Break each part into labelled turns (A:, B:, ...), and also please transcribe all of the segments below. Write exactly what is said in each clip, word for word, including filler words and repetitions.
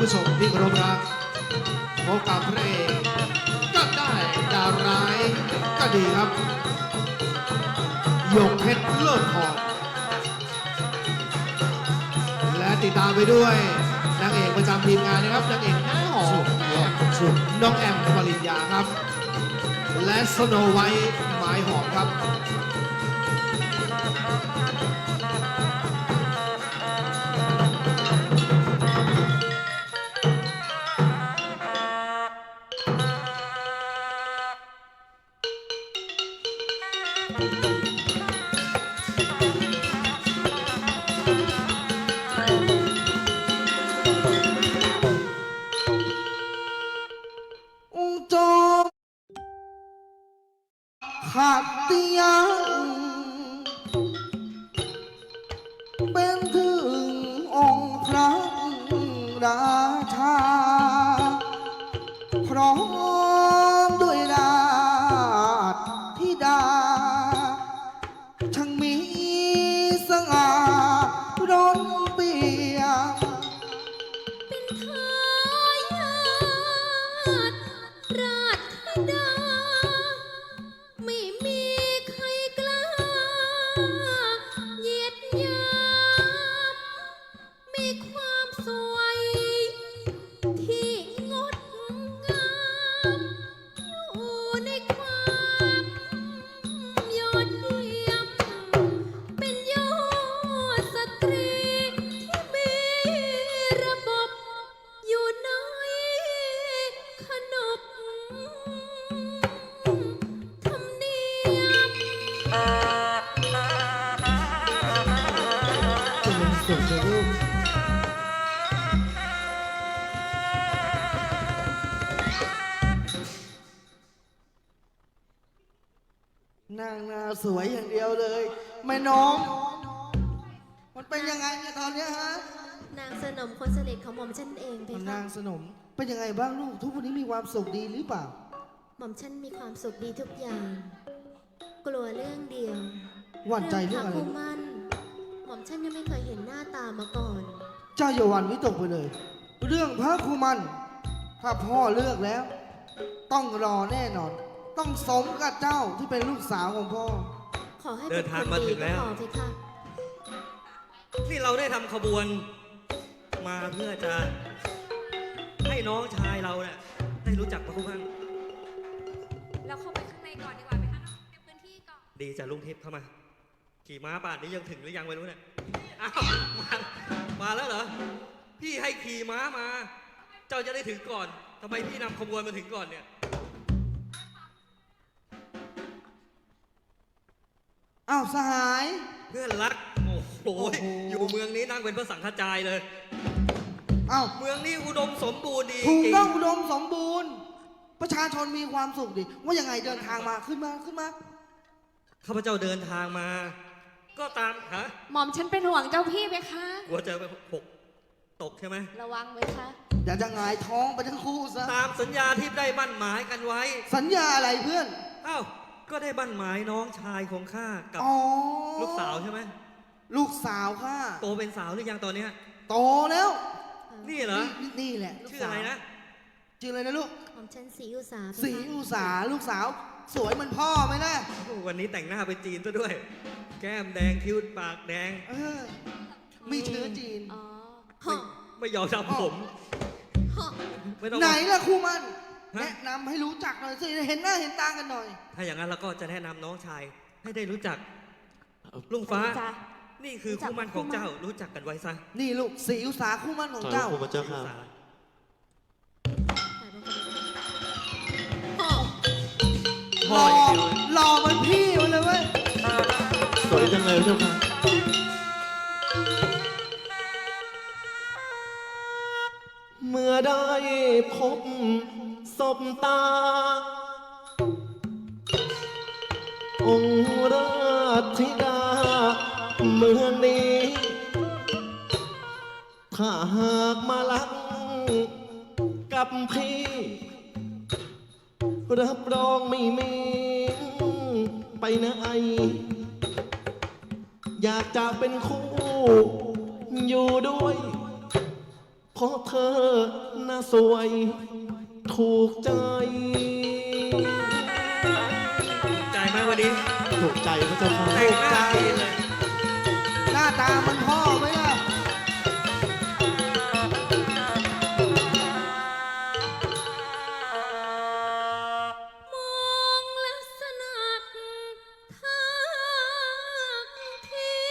A: ผู้ชมที่เคารพรักพบกับพระเอกก็ได้ดาวร้ายก็ดีครับหยกเพชรเลิศทองและติดตามไปด้วยนางเอกประจำทีมงานนะครับนางเอกหน้าหอมน้องแอมปริญญาครับและสโนไวท์หมายหอมครับ
B: ขัดเตียงเป็นถึงองค์พระราชาพร้อมด้วยราชธิดาช่างมีสง่าร้นเปียม
C: เป็นทายาทราชธิดาไม่มีใครกล้าเหยียดหยามมีความสวยที่งดงามอยู่ในความยอดเยี่ยมเป็นยอดสตรีที่มีระบบอยู่ในขนบธรรมเนียม
B: เป็นสุขเลยลูกนางนาสวยอย่างเดียวเลยแม่น้องมันเป็นยังไงเนี่ยตอนเนี้ยฮะ
C: นางสนมคนสนิทของหม่อมฉันเองเพคะ
B: นางสนมเป็นยังไงบ้างลูกทุกวันนี้มีความสุขดีหรือเปล่า
C: หม่อมฉันมีความสุขดีทุกอย่าง กลัวเรื่องเดียว
B: หวั่นใจเรื่องอะไร
C: คู่มั่นหม่อมฉันยังไม่เคยเห็นหน้าตามาก่อน
B: เจ้าอย่าหวั่นวิตกไปเลย เรื่องพระครูมันถ้าพ่อเลือกแล้ว ต้องรอแน่นอน ต้องสมกับเจ้าที่เป็นลูกสาวของพ่อ
C: ขอให้
D: เดิ
C: เป็น
D: น
C: ค
D: ทาง
C: น
D: มา
C: ดี
D: ถึง
C: ก็
D: แล้ว
C: พอเพคะ
D: ที่เราได้ทำขบวนมาเพื่อจะให้น้องชายเราเนี่ยได้รู้จักพระคุณพัง
E: เราเข้าไปข้างในก่อนดีกว่าไหมคะเก็บพื้นที่ก่อน
D: ดีจ้ะลุงทิพย์เข้ามา ขี่ม้าป่านนี้ยังถึงหรือยังไม่รู้เนี่ยอ้าวมามาแล้วเหรอพี่ให้ขี่ม้ามา เจ้าจะได้ถึงก่อนทำไมพี่นำขบวนมาถึงก่อนเนี่ย
B: อ้าวสหาย
D: เพื่อนรักโอ้โห
B: โอ้โห
D: อยู่เมืองนี้นั่งเป็นพระสังฆจายเลย
B: อ้าว
D: เมืองนี้อุดมสมบูรณ์ดี
B: ถูก
D: จริง
B: ต้องอุดมสมบูรณ์ ประชาชนมีความสุขดีว่ายังไงเดินทางมาขึ้นมาขึ้นมา
D: ข้าพเจ้าเดินทางมา ก็ตามฮะ
E: หม่อมฉันเป็นห่วงเจ้าพี่ไหมคะ
D: กลัวจะไปหกตกใช่ไหม
E: ระวังไหมคะ
B: อย่าจะหงายท้องไปทั้งคู่ซะ
D: ตามสัญญาที่ได้บั่นหมายกันไว้
B: สัญญาอะไรเพื่อน
D: อ้าว ก็ได้บั่นหมายน้องชายของข้ากับ
B: อ๋อ
D: ลูกสาวใช่ไหม
B: ลูกสาวค่ะ
D: โตเป็นสาวหรือยังตอนเนี้ย
B: โตแล้ว
D: นี่เหรอ
B: นี่นี่แหละลูก
D: ชื่ออะไรนะ
B: ชื่ออะไรนะลูก
C: หม่อมฉันสีอุตสาเพคะ
B: สีอุสาลูกสาว สวยเหมือนพ่อไหมล่ะ
D: โอ้วันนี้แต่งหน้าเป็นจีนซะด้วย แก้มแดงคิ้วปากแดง
B: เออมีเชื้อจีน
C: อ๋อ
D: ไม่
C: ฮะ
D: ไม่ยอมทำผม
C: ฮะ
D: ไม่ต้อง
B: ไหนล่ะครูมัน
D: ฮะ
B: แนะนำให้รู้จักหน่อยสิเห็นหน้าเห็นตากันหน่อย
D: ถ้าอย่างนั้นเราก็จะแนะนำน้องชาย ให้ได้รู้จัก ลุงฟ้า
E: จ้ะ
D: นี่คือคู่มั่นของเจ้า รู้จักกันไว้ซะ
B: นี่ลูกสีอุสาคู่มั่นของเจ้า
F: ขอบคุณพระเจ้าค่ะ
C: ถ่ายเป็นคนดีฮะ
B: หล่อหล่อเหมือนพี่มันเลยเว้ย
F: สวยจังเลยพระเจ้าค่ะ เมื่อได้พบศพตา องค์ราชธิดา เมืองนี้ ถ้าหากมาลักกับพี่ รับรองไม่มีไปไหน อยากจะเป็นคู่อยู่ด้วย ขราะเธอน่าสวยถูกใจ
D: ใจไหมวันนี้
F: ถูกใจพระเจ้าค่ะ
D: แต่งหน้าดีเลย
B: หน้าตามันพ่อไหมล่ะ
C: มองลักษณะท่าที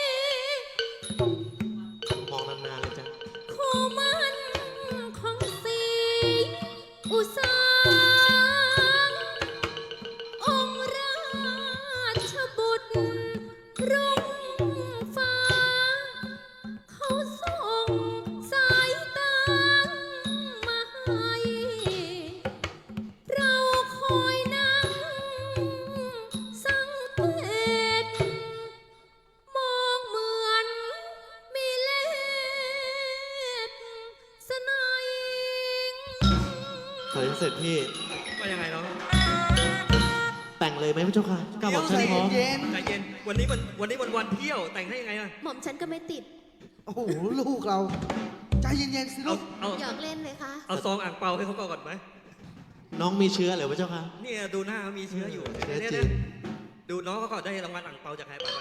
F: มองนานๆเลยจ้ะ
C: คู่มันของสีอุสาองค์ราชบุตรรุ่งฟ้า เขาส่งสายตามาให้ เราคอยนั่งสังเกตมองเหมือนมีเล็ดสนาย
F: เฮ้ยเสร็จพี่
D: ว่ายังไงเนาะ
F: แต่งเลยไหมพระเจ้าค่ะก้าวบอกฉัน
B: ใจ
F: พร้อม
B: เย็น
D: ใจเย็น วันนี้มันวันนี้มันวันเที่ยว แต่งให้ยังไงอะ
C: หม่อมฉันก็ไม่ติด
B: ๆโอ้โห ลูกเรา ใจเย็นๆสิ
D: เอา
B: ลูก
D: เอา
C: อยากเล่นเลยคะ
D: เอาซองอ่างเปาให้เขาก่อนไหม
F: น้องมีเชื้อเหรือพระเจ้าค่ะ
D: เนี่ยดูหน้าเขามีเชื้ออยู่
F: เชื้อ
D: เนี่ย
F: จริ
D: เนี่ย
F: ง
D: ดูน้องเขาก่อนได้รางวัลอ่างเปาจากใครไปไป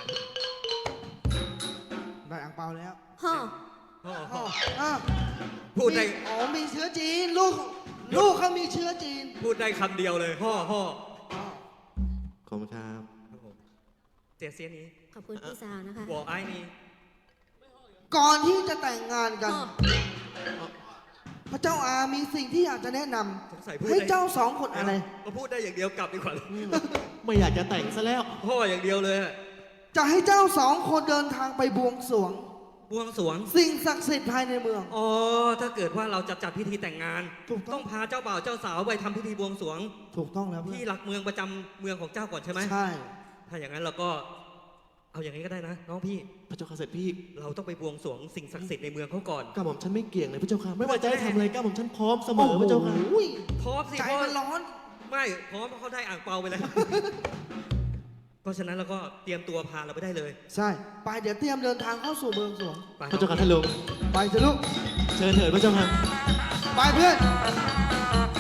B: ได้อ่างเปาแล้ว
C: ฮ่อ
D: พ่อ
B: อ๋
D: พ่
B: อ
D: อ
B: อ้าว
D: พูดได้
B: มีอ๋อ มีเชื้อจีน ลูก ลูกเขามีเชื้อจีน
D: พูดได้คำเดียวเลยพ่อพ่อ
B: อ๋อ
F: ขอบคุณครับ
D: ครับผมเตียเสียนี้
C: ขอบคุณพี่สาวนะคะ
D: วอไอ้นี่
B: ก่อนที่จะแต่งงานกัน
C: ฮ่อ
B: พระเจ้าอามีสิ่งที่อยากจะแนะน
D: สงสัยพูด
B: ำให้
D: ได้
B: เจ้าสองคนอะไร
D: ก็พูดได้อย่างเดียวกลับดีกว่า
F: ไม่อยากจะแต่งซะแล้ว
D: พ่ออย่างเดียวเลยอะ
B: จะให้เจ้าสองคนเดินทางไปบวงสรวง
D: บวงสรวง
B: สิ่งศักดิ์สิทธิ์ภายในเมือง
D: อ๋อ ถ้าเกิดว่าเราจะจัดพิธีแต่งงาน
B: ถูกต้อง
D: ต้องพาเจ้าบ่าวเจ้าสาวไปทำพิธีบวงสรวง
B: ถูกต้องแล้วเพื่
D: ที่
B: อน
D: หลักเมืองประจำเมืองของเจ้าก่อนใช่ไหม
B: ใช่
D: ถ้าอย่างนั้นเราก็ เอาอย่างนี้ก็ได้นะ น้องพี่
F: พระเจ้าค่ะเสร็จพี่
D: เราต้องไปบวงสรวงสิ่งศักดิ์สิทธิ์ในเมืองเขาก่อน
F: ก้าวบอกฉันไม่เกี่ยงเลยพระเจ้าค่ะ ไม่ว่าจะให้ทำอะไรก้าวบอกฉันพร้อมเสมอพระเจ้าค่ะ
B: โอ้ย
D: พร้อมสิ
B: ใจ
D: พ่อ
B: มันร้อน
D: ไม่พร้อมเพราะเขาได้อ่างเปาไปแล้ว เพราะฉะนั้นเราก็เตรียมตัวพาเราไปได้เลย
B: ใช่ ไปเดี๋ยวเตรียมเดินทางเข้าสู่เมืองสวง
D: ไป
F: พระเจ้าค่ะท่านลุง
B: ไปเถอะลูก
F: เชิญเถิดพระเจ้าค่ะ
B: ไปเพื่อน